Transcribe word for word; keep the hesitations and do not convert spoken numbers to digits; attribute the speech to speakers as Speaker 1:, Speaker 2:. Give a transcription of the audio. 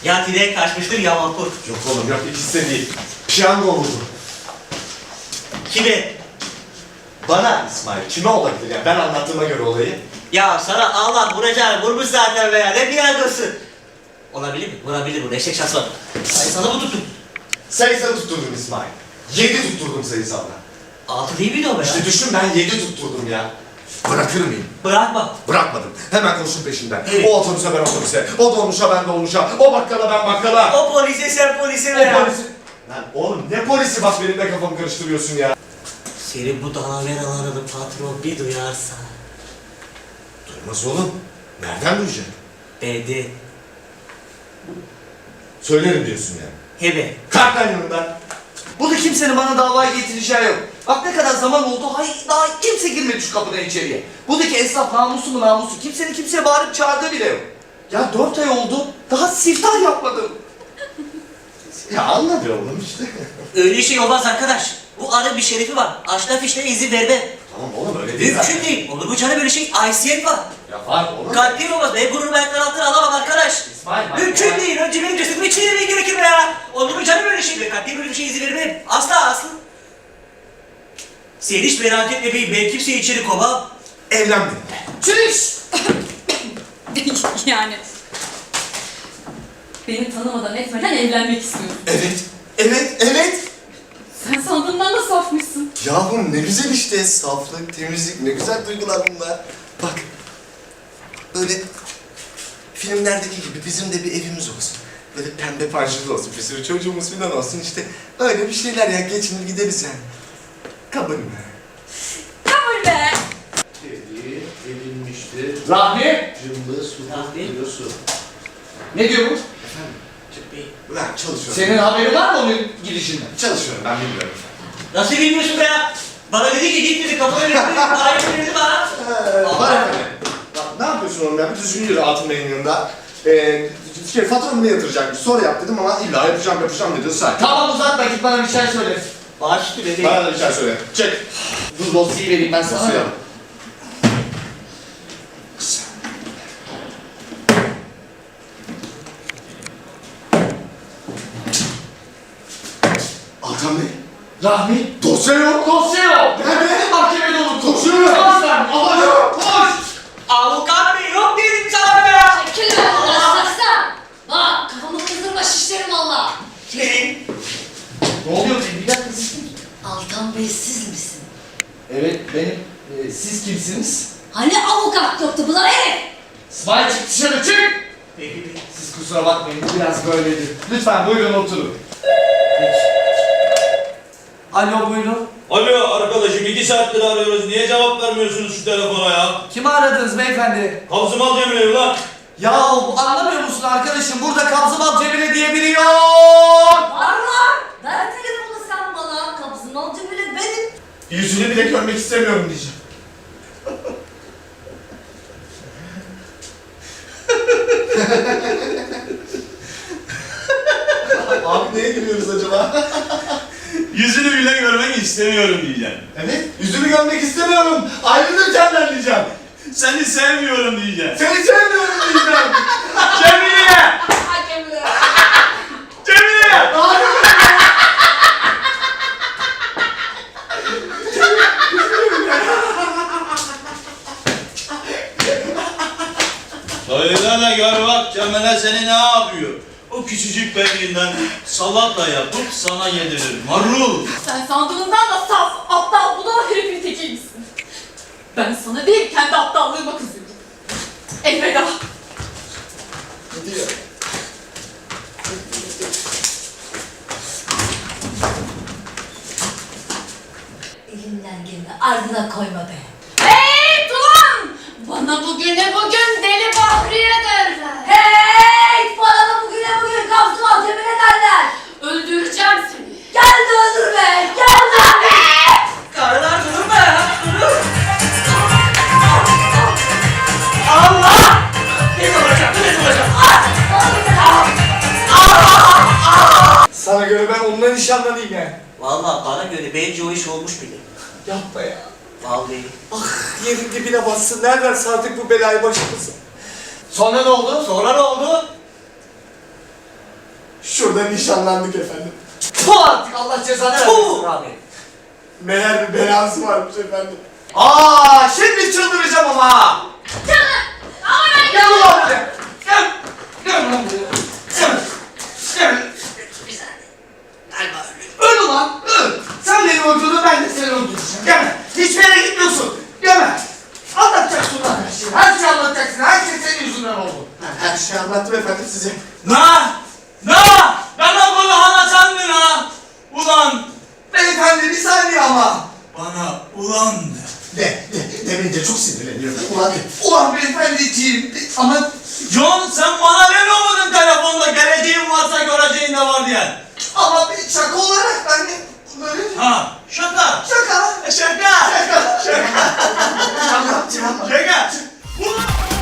Speaker 1: Ya direğe kaçmıştır ya vapur.
Speaker 2: Yok oğlum yok, ikisi de değil. Piyango vurdu.
Speaker 1: Kime?
Speaker 2: Bana İsmail, kime olabilir ya? Ben anlattığıma göre olayı.
Speaker 1: Ya sana Allah vuracağını vurmuş zaten be ya. Ne piyangosu? Olabilir mi? Vurabilir bu. Eşek şans var. Sayısalı mı tuttun?
Speaker 2: Sayısalı tutturdum İsmail. Yedi tutturdum sayısalda.
Speaker 1: Altı değil miydi o be ya?
Speaker 2: İşte düşün, ben yedi tutturdum ya. Bırakır mıyım?
Speaker 1: Bırakma.
Speaker 2: Bırakmadım. Hemen koştum peşinden.
Speaker 1: Evet.
Speaker 2: O otobüse ben otobüse, o dolmuşa ben dolmuşa, o bakkala ben bakkala.
Speaker 1: O polise sen polise
Speaker 2: O
Speaker 1: be ya.
Speaker 2: polisi... Lan oğlum ne polisi, bak benim de kafamı karıştırıyorsun ya.
Speaker 1: Senin bu daveralarını patron bir duyarsa.
Speaker 2: Duymaz oğlum. Nereden duyacak?
Speaker 1: Dedi.
Speaker 2: Söylerim diyorsun yani.
Speaker 1: Hebe.
Speaker 2: Kalk lan yanımdan.
Speaker 3: Burada kimsenin bana davaya getireceği yok. Bak ne kadar zaman oldu, hayır daha kimse girmedi şu kapıdan içeriye. Buradaki esnaf namusu mu namusu, kimsenin kimseye bağırıp çağırdığı bile yok. Ya dört ay oldu, daha siftah yapmadım.
Speaker 2: Ya anladı oğlum işte.
Speaker 1: Öyle şey olmaz arkadaş. Bu arın bir şerefi var. Aşna fişlere izin vermem.
Speaker 2: Tamam oğlum öyle değil
Speaker 1: Mümkün
Speaker 2: zaten.
Speaker 1: değil. Olur bu canı böyle şey. Aysiyet var.
Speaker 2: Ya var oğlum.
Speaker 1: Kalpli mi olmaz? Ben gururumu ayaklar altına alamam arkadaş.
Speaker 3: İsmail bak.
Speaker 1: Mümkün değil. Önce benim cesedimi çiğnemeye gerekir be ya. Olur mu canım böyle şey? Ben kalpli böyle bir şey izin vermem. Asla asla. Sen hiç merak etme beyim. Ben kimseyi içeri kovamam.
Speaker 2: Evlenmedim.
Speaker 3: Çüş!
Speaker 4: Yani beni tanımadan etmeden evlenmek istiyorum.
Speaker 2: Evet. Evet. Evet.
Speaker 4: Sen sandığından da safmışsın.
Speaker 2: Yahu ne güzel işte. Saflık, temizlik, ne güzel duygular bunlar. Bak. Böyle filmlerdeki gibi bizim de bir evimiz olsun. Böyle pembe parçalı olsun. Bir sürü çocuğumuz falan olsun işte. Öyle bir şeyler ya. Geçinir gideriz yani. Kabul mü?
Speaker 4: Kabul be!
Speaker 5: Dedi, edilmiştir.
Speaker 3: Rahmi!
Speaker 5: Cımbız,
Speaker 1: Rahmi?
Speaker 5: hukuk, su.
Speaker 3: Ne diyor bu?
Speaker 1: Çık bey.
Speaker 2: Ulan çalışıyorum.
Speaker 3: Senin haberin var mı onun gidişinden?
Speaker 2: Çalışıyorum ben bilmiyorum.
Speaker 1: Nasıl bilmiyorsun be ya? Bana dedi ki git dedi. Kapıda dedi. Parayı verirdi bana.
Speaker 2: Allah efendim. Bak ne yapıyorsun oğlum ya? Bir düzgün yürü Altın Bey'in yanında. Ee, şey, faturamı ne yatıracakmış? Sonra yap dedim ama illa yapacağım yapacağım dedi. Say.
Speaker 3: Tamam uzatma, git bana bir şey söyle.
Speaker 1: Bağış üstü dedi.
Speaker 2: Bana da bir şey söyle. Çek.
Speaker 3: Dur dosyayı vereyim ben sana.
Speaker 2: Dosyayı al. Altan Bey.
Speaker 3: Rahmi!
Speaker 2: Dosya yok.
Speaker 3: Dosya yok!
Speaker 2: Nerede?
Speaker 3: Mahkemede unuttum.
Speaker 2: Dosya yok.
Speaker 3: Koş sen!
Speaker 2: Alacağım.
Speaker 3: Koş!
Speaker 1: Avukat bey yok dedim sana be ya.
Speaker 6: Çekil be Allah! Bak kafamı kızdırma şişlerim valla.
Speaker 1: Senin.
Speaker 3: Ne oluyor benim? Bir dakika siz kim?
Speaker 6: Altan Bey siz misin?
Speaker 3: Evet benim. Ee, siz kimsiniz?
Speaker 6: Hani avukat yoktu bunlar herif?
Speaker 3: İsmail çık dışarı çık!
Speaker 1: Peki peki.
Speaker 3: Siz kusura bakmayın bu biraz böyledir. Lütfen buyurun oturun. Alo buyurun.
Speaker 7: Alo arkadaşım iki saattir arıyoruz. Niye cevap vermiyorsunuz şu telefona ya?
Speaker 3: Kimi aradınız beyefendi?
Speaker 7: Kabzımal Cemile lan.
Speaker 3: Ya anlamıyor musun arkadaşım? Burada Kabzımal Cemile diye biri yok.
Speaker 6: Var var. Ver telefonu sen bana. Kabzın alcı bile benim.
Speaker 2: Yüzünü bile görmek istemiyorum diyeceğim. Abi neye gülüyoruz acaba?
Speaker 7: Yüzünü bile görmek istemiyorum diyeceğim.
Speaker 2: Evet, yüzünü görmek istemiyorum. Ayrılır senden diyeceğim.
Speaker 7: Seni sevmiyorum diyeceğim.
Speaker 2: Seni sevmiyorum diyeceğim.
Speaker 7: Cemile!
Speaker 6: Hakemle.
Speaker 7: Cemile! Söylesene gör bak Cemile seni ne yapıyor? O küçücük bebeğinden salata yapıp sana yedirir. Marul!
Speaker 4: Sen sandığından da saf, aptal, budala herifin tekiymişsin. Ben sana değil, kendi aptallığıma kızıyorum. Elveda.
Speaker 2: Gidiyor.
Speaker 6: Elinden geleni ardına koyma be.
Speaker 4: Hey Turan! Bana bugüne bugün deli Bahriye'dir.
Speaker 6: Hey! Bana da bugüne bugün Kabzın alcı bile derler.
Speaker 4: Öldüreceğim seni.
Speaker 6: Gel de öldür be. Gel de öldür be.
Speaker 1: Karılar durun be ya. Durun. Allah! Ne olacak? Ne olacak?
Speaker 3: Sana göre ben onunla nişanlanayım yani.
Speaker 1: Vallahi bana göre bence o iş olmuş bile.
Speaker 3: Yapma ya.
Speaker 1: Vallahi.
Speaker 3: Ah yerin dibine bassın. Nereden sardık bu belayı başımıza? Sonra ne oldu?
Speaker 1: Sonra ne oldu?
Speaker 2: Şurada nişanlandık efendim.
Speaker 3: Puh artık Allah cezanı vermesin
Speaker 1: Puh!
Speaker 3: abi.
Speaker 2: Meğer bir belası varmış efendim.
Speaker 3: Aa şimdi çıldıracağım ama ha.
Speaker 4: Ama ben
Speaker 3: Gel ulan buraya. Gel. Gel ulan buraya. Gel. Gel.
Speaker 1: Galiba öyle.
Speaker 3: Öl ulan öl. Sen beni öldürdün ben de seni öldüreceğim. Gelme. Hiçbir yere gitmiyorsun. Gelme. Anlatacaksın lan her şeyi. Her şeyi anlatacaksın. Her şey senin yüzünden oldu.
Speaker 2: Her şeyi anlattım efendim size.
Speaker 7: Na! Na! Bana bunu anlatan mı na? Ulan!
Speaker 3: Beyefendi bir saniye ama.
Speaker 7: Bana ulan de.
Speaker 2: De, de, demince çok sinirleniyorum. Ulan de.
Speaker 3: Ulan beyefendiciğim ama
Speaker 7: John sen bana demiyor muydun telefonda geleceğin varsa göreceğin de var diye?
Speaker 3: ama bir şaka olarak ben de böyle
Speaker 7: Ha, şaka.
Speaker 3: şaka.
Speaker 7: Şaka.
Speaker 3: Şaka.
Speaker 7: Şaka.
Speaker 3: Anlatacağım.
Speaker 7: Şaka. Ulan!